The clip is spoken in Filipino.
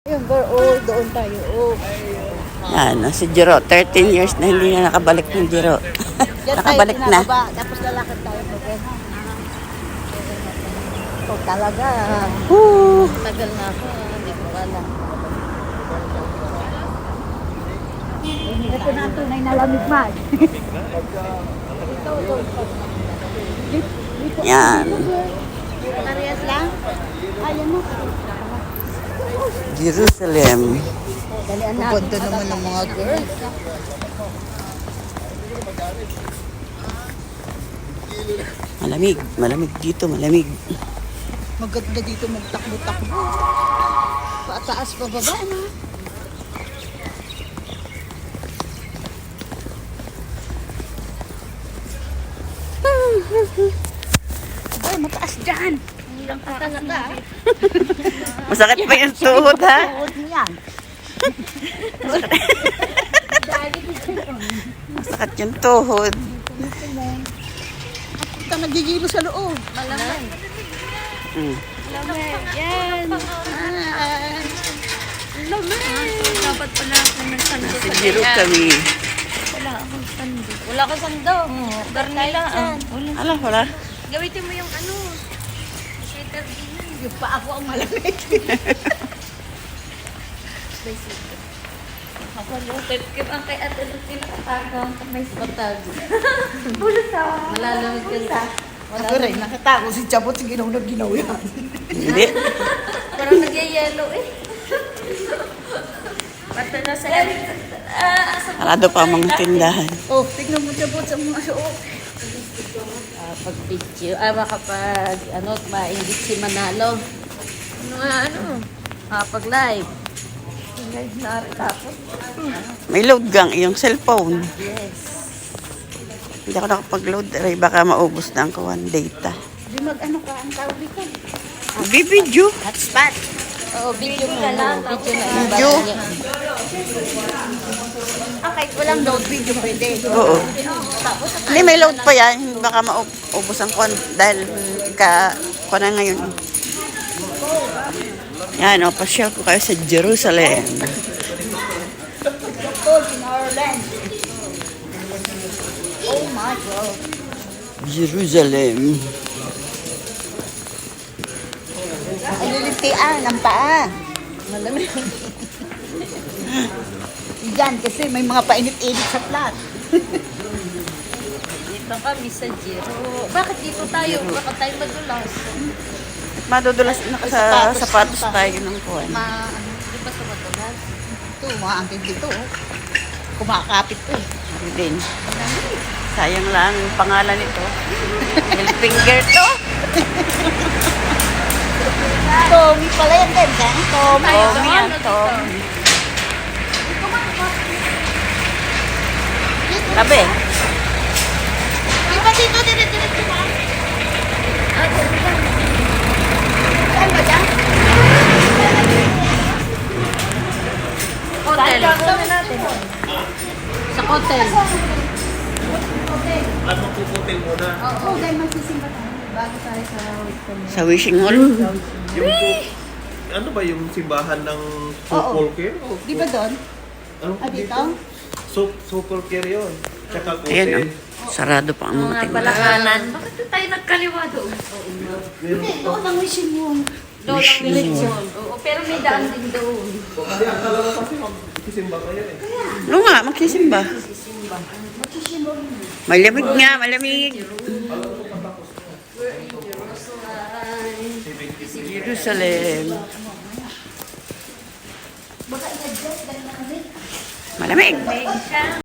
Ayun, oh, doon tayo. Oh. Yan, si Jiro. 13 years na hindi na nakabalik ng Jiro. Nakabalik na. Tapos lalakad tayo. Oh, talaga. Tagal na ako. Hindi ko alam. Ito na tunay na lamig man. Yan. Parehas lang? Ayan mo. Jerusalem. Ganda naman ng mga girls. Malamig. Malamig dito. Malamig. Maganda dito magtakbo-takbo. Pataas pa baba na. Ay, mataas dyan. Hirang ka talaga. Masakit pa yung tuhod, ha? Tuhod mo yan. Masakit yung tuhod. Ito nagigilo sa loob. Malamang. Lamig. Yan. Lamig. Dapat pala ako ng sando. Si Jiro kami. Wala akong sando. Wala akong sando. Garnila. Ala, wala. Gamitin mo yung ano. Sweater din. Yung pa ako ang malamig. Ako lupit. Ang kay Ate Lucy nakatago. May spatago. Bulot ah. Malalamig ka sa. Ako rin, nakatago si Chabot, si ginaw yan. Hindi. Parang nagyayelo eh. Pata na sa Sarado pa ang mga tindahan. Oh, tignan mo Chabot sa mga suot. pag-video. Makapag, maingit si Manalo. Pag-live. Live na rin tapos. May load gang iyong cellphone. Yes. Hindi ako nakapag-load. Aray, baka maubos na ang kawan data. Di ka, ang tawag dito. Bibidyo. Hotspot. Oo, video mo lang. Video na. Video. Kahit walang load video, pwede. Oo. Hindi, may load pa yan. Baka maubos ang kawan dahil kawan na ngayon. Yan, pasyal ko kayo sa Jerusalem. In our land. Oh my God. Jerusalem. Alilitian ang paa. Malamig. Yan, kasi may mga painit-init sa plat. Dito kami sa Jiro. Bakit dito tayo? Bakit tayo madulas? Madudulas na sa sapatos tayo ng kuwan. Di ba sa madulas? Ito, mga angkin dito. Kumakapit ko eh. Ano din. Sayang lang yung pangalan nito. Middle finger to. Tommy pala yan din. Tommy. Tommy yan, Tommy. Sabi. Di ba dito, dire-diretso ba? Saan ba dyan? Hotel. Sa hotel. At magpuputin muna. Oo, dahil magsisimba tayo. Bago tayo sa wait Sa wishing hall. Ano ba yung simbahan ng Sopol Care? Di ba doon? Ano Dito? Sopol Care yun. Tsaka Ayan, Kote. Sarado pa ang mga Mga tindahan. balakanan. Bakit tayo nagkaliwa doon? Hindi, doon ang wishing room. Doon ang village yun. Oo, pero may daan din doon. Hindi, akala ko kasi magsisimba kayo eh. Ano nga, magsisimba. Malamig nga, malamig. Jerusalem. Malamig.